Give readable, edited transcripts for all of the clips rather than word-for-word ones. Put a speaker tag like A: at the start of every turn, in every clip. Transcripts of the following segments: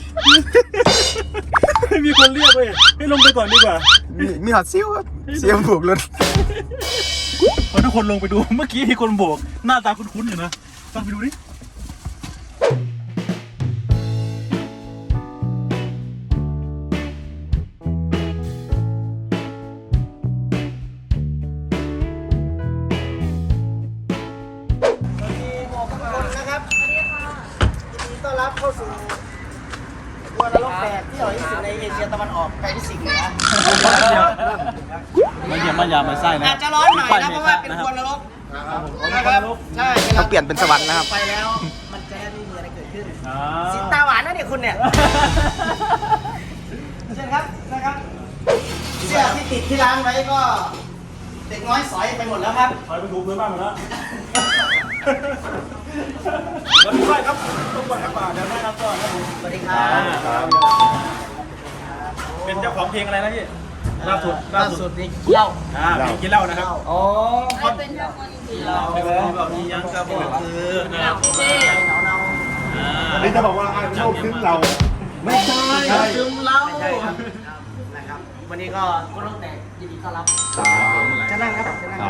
A: ไม่มีคนเรียกเลยให้ลงไปก่อนดีกว่า
B: มีหอดซิ้วครับเสียมผูกรถ
A: พอทุกคนลงไปดูเมื่อกี้มีคนโบกหน้าตาคุ้นๆอยู่นะต้องไปดูดิ
C: เข้าสู่วัวนรกแตกที่อร่อยที่สุดในเอเชียตะวันออกไกลที่สุดเหนือ
A: ไม่เยี่ยมไม่ยามไม่ไส้นะ
C: อาจจะร้อนหน่อยนะเพราะว่าเป็นวัวนรกนะครับใช่
B: เขาเปลี่ยนเป็นสวรรค์นะครับ
C: ไปแล้วมันจะไม่มีอะไรเกิดขึ้นสิตาหวานนะเนี่ยคุณเนี่ยเชิญครับนะครับเสื้อที่ติดที่ร้านไว้ก็เด็กน้อยสอยไปหมดแล้วครับ
A: สอยไปถูพื้นบ้านหมดแล้วแล้วพี่ฝ้ายครับทุกคนครับเดี๋ยวแนะนำก่อนครับผม
C: สวัสดีครับ
A: เป็นเจ้าของเพลงอะไรนะพี่ล่าสุด
C: นี่เหล้า
A: กินเหล้านะครับ
C: อ๋อ
D: เป็นเจ้าคนกินเหล้า
A: แบบนี้ยังกระบอกคือนะครับ
B: นี่จะบอกว่าไอ้เข้าคึ้มเราไม่ใช่
C: คึ้มเรานะครับวันนี้ก็คนรถแตกยินดีต้อนรับจะนั่งครับจะนั่ง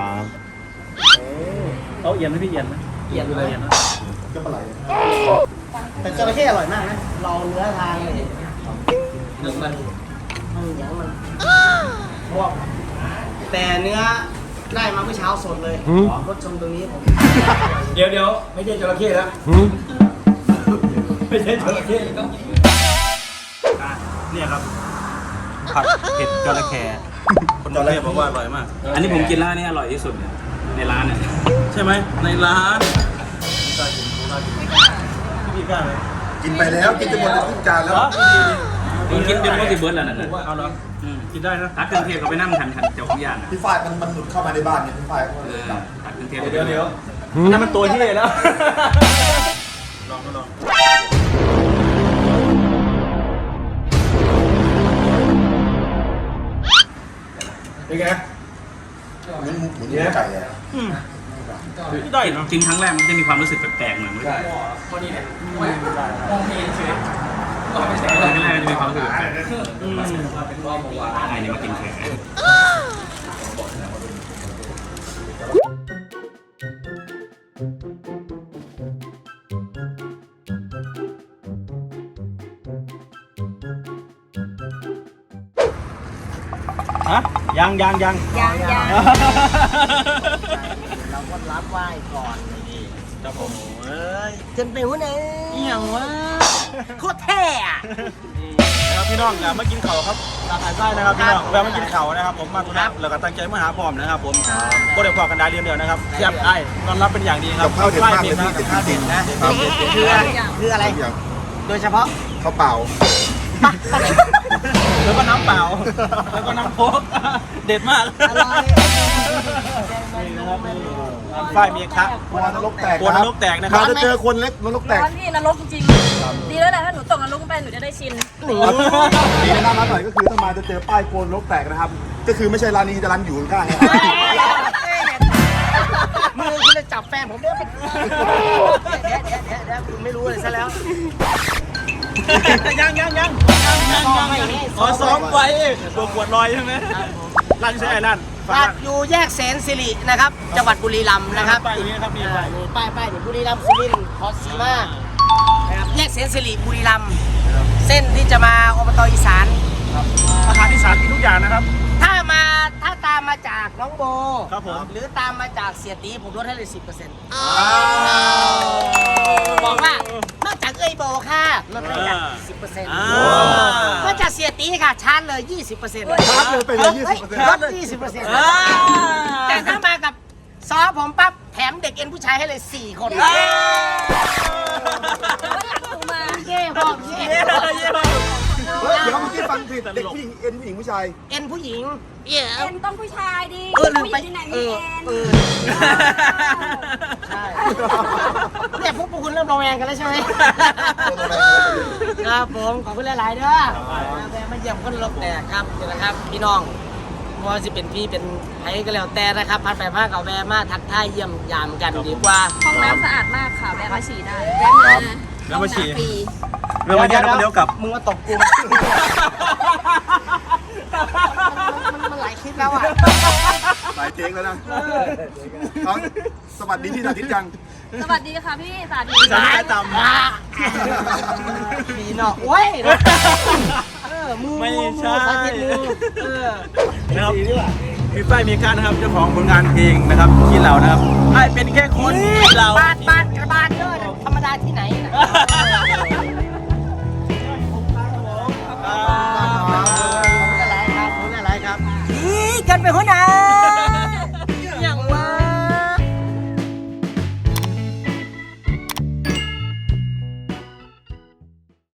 A: เขาเอียนไหมพี่เอียนไหม
C: เอียนเลย
A: นะ
B: จะปลาไหล
C: แต่จระเข้อร่อยมากนะเราเนื้อทางเลยหนึ่งมันอย่างมันพวกแต่เนื้อได้มาเมื่อเช้าสดเลยรสชมตรงนี้ผม
A: เดี๋ยวไม่ใช่จระเข้แล้วไม่ใช่จระเข้เนี่ยครับผัดเผ็ดจระเข้คนจระเข้บอกว่าอร่อยมากอันนี้ผมกินแล้วนี่อร่อยที่สุดเนี่ยในร้านเนี่ยใช่ไหมในร้านพี่กล้าไหม
B: กินไปแล้วกินจนหมดทุกจานแล้ว
A: ผมกินจนหมดที่เบิร์ดแล้วนั่นเอาเหรอกินได้นะตักเครื่องเทศเขาไปนั่งทันเจ้าของย่าน
B: พี่ฝ้ายมันหลุดเข้ามาในบ้านเนี่ยพี่ฝ้าย
A: ตักเครื่องเทศเดี๋ยวนั่นมันตัวที่เลยแล้วลองเป็นไง
B: เหมือนเนื้อไก่อะ
A: ได้เนาะกินครั้งแรกมันจะมีความรู้สึกแปลกๆเหมือนกันพอดีเนี่ยมองเพลงเฉยครั้งแรกจะมีความรู้สึกแปลกอะไรเนี่ยมากินแขกฮะยัง
C: เราก็รับไหว้ก่อนนี่
A: ครับผม
C: เอ้ยจนไปหัวไหนอย่างวะโคตรเท่อะ
A: นะครับพี่น้องอย่ามากินเข่าครับหลากหลายไส้นะครับพี่น้องแวะมากินเข่านะครับผมมาตุนับแล้วก็ตั้งใจมาหาพร้อมนะครับผมโคตรเด็ดพอกันได้เรียนเดียวนะครับเสียบไอ้ตอนรับเป็นอย่างดีครับ
B: ข้าวเด็ดมากเลยพี่เด็ดจริงนะ
C: คืออะไรโดยเฉพาะ
B: ข้าวเปล่า
A: แล้วก็น้ำเปล่าแล้วก็น้ำโค้กเด็ดมาก
C: อร่อย
A: ฝ้ายมีครับ
B: กลัวนรกแตก
A: นะครับ
B: จะเจอคนเล็กนรกแตก
D: พี่นรกจริงดีแล้วแหละถ้าหนูตกนรกไปหนูจะได้ชิน
B: ดีนะร้านหน่อยก็คือถ้ามาจะเจอป้ายโกนนรกแตกนะครับก็คือไม่ใช่ร้านนี้จะร้านอยู่ข้างๆ
C: มือคุณจะจับแฟนผมเนี่ยเดี๋ยวคุณไม่รู้เลยซะแล้ว
A: ยังขอซ้อมไว้ตัวขวดลอยใช่ไหมร้านใช่ร้าน
C: อยู่แยกแสนสิรินะครับจังหวัดบุรีรัมย์นะครับ
A: ป้ายนี้ครับมี
C: ป้ายบุรีรัมย์สุรินทร์ขอสีมานะครับแยกแสนสิริบุรีรัมย์เส้นที่จะมาอบต.อีสาน
A: อาหารอีสานกินทุกอย่างนะครับ
C: ถ้าตามมาจากน้องโบ
A: ครับผม
C: หรือตามมาจากเสียตีผมลดให้เลย 10%บอกว่านอกจากเอ้ยโบค่ะลดให้กัน 10%ก็จากเสียตีค่ะชาร์จเลย 20%
B: ชาร์จเลยไปเลย
C: ลด 20%แต่ถ้ามากับซอผมปั๊บแถมเด็กเอ็นผู้ชายให้เลย 4 คนเย่บอกเย่
B: เดี๋ยวเมื่อกี้ฟังผิดเด็กผู้หญิงเอ็นผู้หญิงผู้ชาย
C: เอ็นผู้หญิง
D: เอ็นต้องผู้ชายดิ
C: ผู้หญิง
D: ที่ไหนมีเอ็น
C: ใช่เนี่ยพวกคุณเริ่มระแวงกันแล้วใช่ไหมครับผมขอบคุณหลายๆเด้อแวะมาเยี่ยมคนรกแตกครับนี่นะครับพี่น้องว่าจะเป็นพี่เป็นไผ่ก็แล้วแต่นะครับพัดไปมากกับแวะมาทักทายเยี่ยมยามกันดีกว่า
D: ห้องน้ำสะอาดมากค่ะแวะมาฉี่ได้แวะมา
A: ฉี่เรื่องมาเยี่ยมแล้วก็เลี้ยวกลับ
C: มึงมาตกกูมันหลายคลิปแล้วอ่ะ
B: หลายเทคแล้วนะเขาสวัสดีพี่สาธิตยัง
D: สวัสดีค่ะพี่สาธิต
A: สาธิตต่ำ
C: ดีเนาะโอ้ยมือ
A: ไม่ใช่
C: สาธิตมือ
A: นะครับพี่ป้ายมีการนะครับเจ้าของผลงานเพลงนะครับขี้เหล่านะครับไอ้เป็นแค่คนขี้เหล่า
C: บาดกระบาดเด้อธรรมดาที่ไหนนะอะไรครับนี่กันเป็นหัวหน้า